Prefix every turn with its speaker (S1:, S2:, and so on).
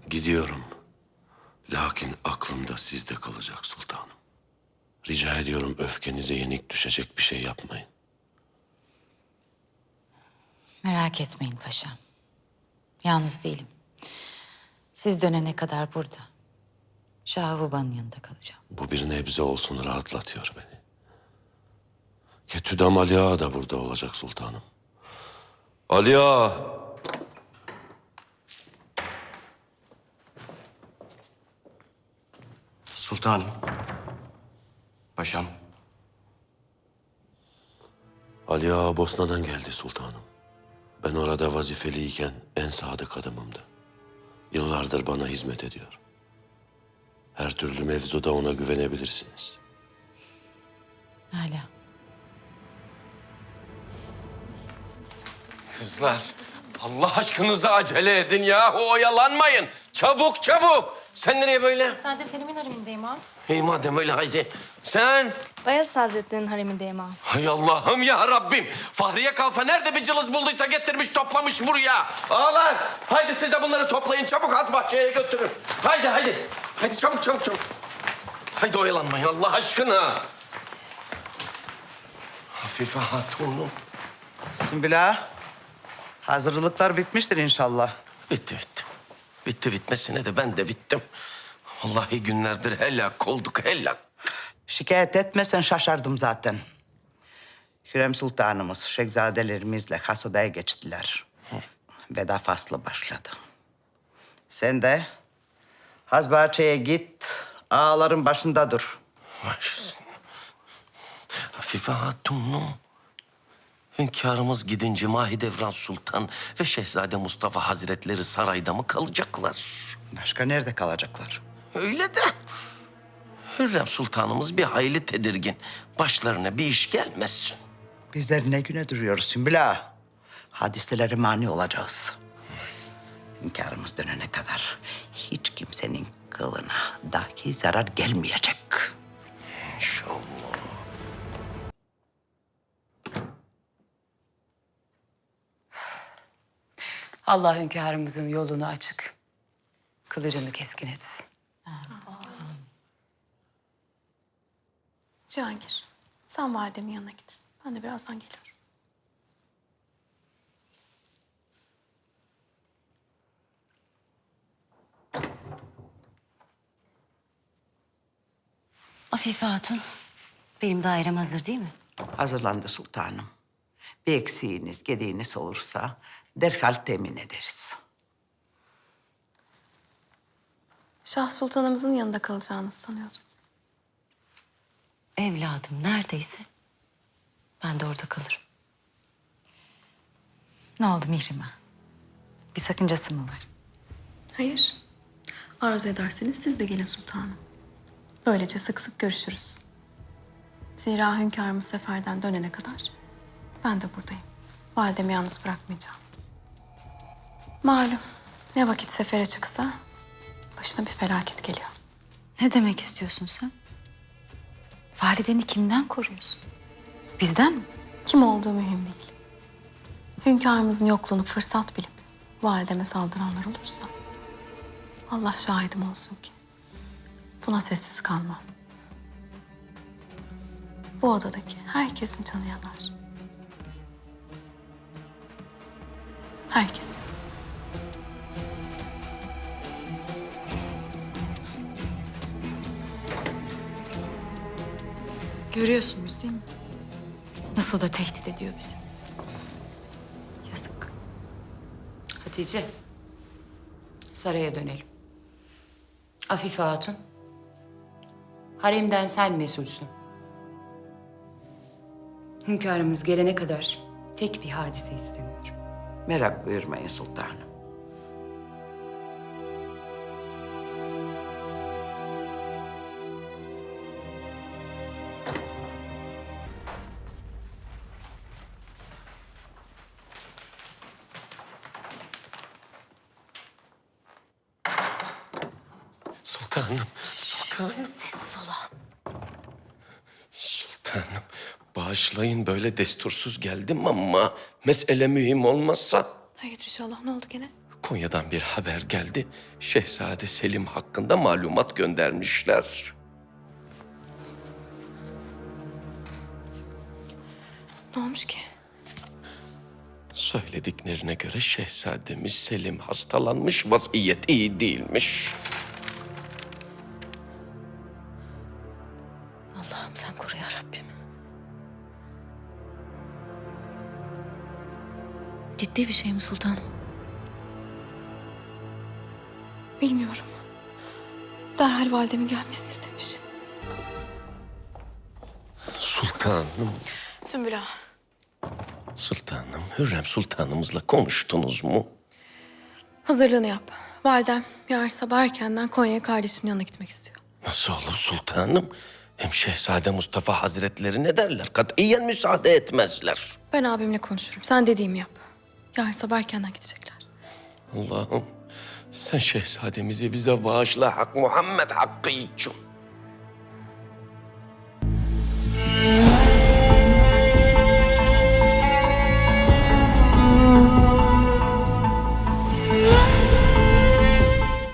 S1: Gidiyorum. Lakin aklımda sizde kalacak sultanım. Rica ediyorum öfkenize yenik düşecek bir şey yapmayın.
S2: Merak etmeyin paşam. Yalnız değilim. Siz dönene kadar burada. Şahuba'nın yanında kalacağım.
S1: Bu bir nebze olsun rahatlatıyor beni. Ketüdam Ali Ağa da burada olacak sultanım. Ali Ağa!
S3: Sultanım. Paşam.
S1: Ali Ağa Bosna'dan geldi sultanım. Ben orada vazifeliyken en sadık adamımdı. Yıllardır bana hizmet ediyor. Her türlü mevzuda ona güvenebilirsiniz.
S2: Hala.
S4: Kızlar, Allah aşkınıza acele edin ya. Oyalanmayın. Çabuk çabuk. Sen nereye böyle?
S5: Sen de Selim'in haremindeyim ağam.
S4: İyi madem öyle haydi. Sen?
S5: Bayezid Hazretleri'nin haremindeyim ağam.
S4: Hay Allah'ım ya Rabbim. Fahriye Kalfa nerede bir cılız bulduysa getirmiş toplamış buraya. Ağalar, haydi siz de bunları toplayın. Çabuk az bahçeye götürün. Haydi haydi. Haydi çabuk çabuk çabuk. Haydi oyalanmayın Allah aşkına. Hafife Hatun'um.
S6: Sümbüla, hazırlıklar bitmiştir inşallah.
S4: Bitti bitti. Bitti bitmesine de ben de bittim. Vallahi günlerdir helak olduk helak.
S6: Şikayet etmesen şaşardım zaten. Hürrem Sultanımız şehzadelerimizle has odaya geçtiler. Veda faslı başladı. Sen de haz bahçeye git, ağaların başında dur.
S4: Baş üstüne. Hafife Hatun'um. Hünkârımız gidince Mahidevran Sultan ve Şehzade Mustafa Hazretleri sarayda mı kalacaklar?
S6: Başka nerede kalacaklar?
S4: Öyle de. Hürrem Sultanımız bir hayli tedirgin. Başlarına bir iş gelmesin.
S6: Bizler ne güne duruyoruz Sümbüla? Hadiselere mani olacağız. Hünkârımız dönene kadar hiç kimsenin kılına dahi zarar gelmeyecek.
S4: İnşallah.
S7: Allah hünkârımızın yolunu açık, kılıcını keskin etsin.
S5: Cihangir, sen validemin yanına git. Ben de birazdan geliyorum.
S8: Afife Hatun, benim dairem hazır değil mi?
S6: Hazırlandı sultanım. Bir eksiğiniz, gediğiniz olursa derhal temin ederiz.
S5: Şah Sultanımızın yanında kalacağınızı sanıyordum.
S8: Evladım neredeyse ben de orada kalırım.
S2: Ne oldu Mihrimah? Bir sakıncası mı var?
S5: Hayır. Arzu ederseniz siz de gelin sultanım. Böylece sık sık görüşürüz. Zira hünkârımız seferden dönene kadar ben de buradayım. Validemi yalnız bırakmayacağım. Malum ne vakit sefere çıksa başına bir felaket geliyor.
S2: Ne demek istiyorsun sen? Valideni kimden koruyorsun? Bizden mi?
S5: Kim olduğu mühim değil. Hünkârımızın yokluğunu fırsat bilip valideme saldıranlar olursa Allah şahidim olsun ki buna sessiz kalmam. Bu odadaki herkesin canı yanar. Herkesin.
S2: Görüyorsunuz değil mi? Nasıl da tehdit ediyor bizi. Yazık.
S7: Hatice, saraya dönelim. Afife Hatun, haremden sen mesulsün. Hünkârımız gelene kadar tek bir hadise istemiyorum.
S6: Merak buyurmayın sultanım.
S4: Sultanım, sultanım.
S8: Sessiz ol ağam.
S4: Sultanım, bağışlayın böyle destursuz geldim ama mesele mühim olmazsa
S5: Hayırdır inşallah, ne oldu gene?
S4: Konya'dan bir haber geldi. Şehzade Selim hakkında malumat göndermişler.
S5: Ne olmuş ki?
S4: Söylediklerine göre şehzademiz Selim hastalanmış, vaziyet iyi değilmiş.
S8: Allah'ım sen koru ya Rabbim. Ciddi bir şey mi sultanım?
S5: Bilmiyorum. Derhal validemin gelmesini istemiş.
S4: Sultanım,
S5: Sümbül Ağa,
S4: sultanım, Hürrem sultanımızla konuştunuz mu?
S5: hazırlığını yap. Validem yarın sabah erkenden Konya'ya kardeşimin yanına gitmek istiyor.
S4: Nasıl olur sultanım? Hem Şehzade Mustafa Hazretleri ne derler? Katiyen müsaade etmezler.
S5: Ben abimle konuşurum. Sen dediğimi yap. Yarın sabah erkenden gidecekler.
S4: Allah'ım sen şehzademizi bize bağışla Hak Muhammed hakkı için.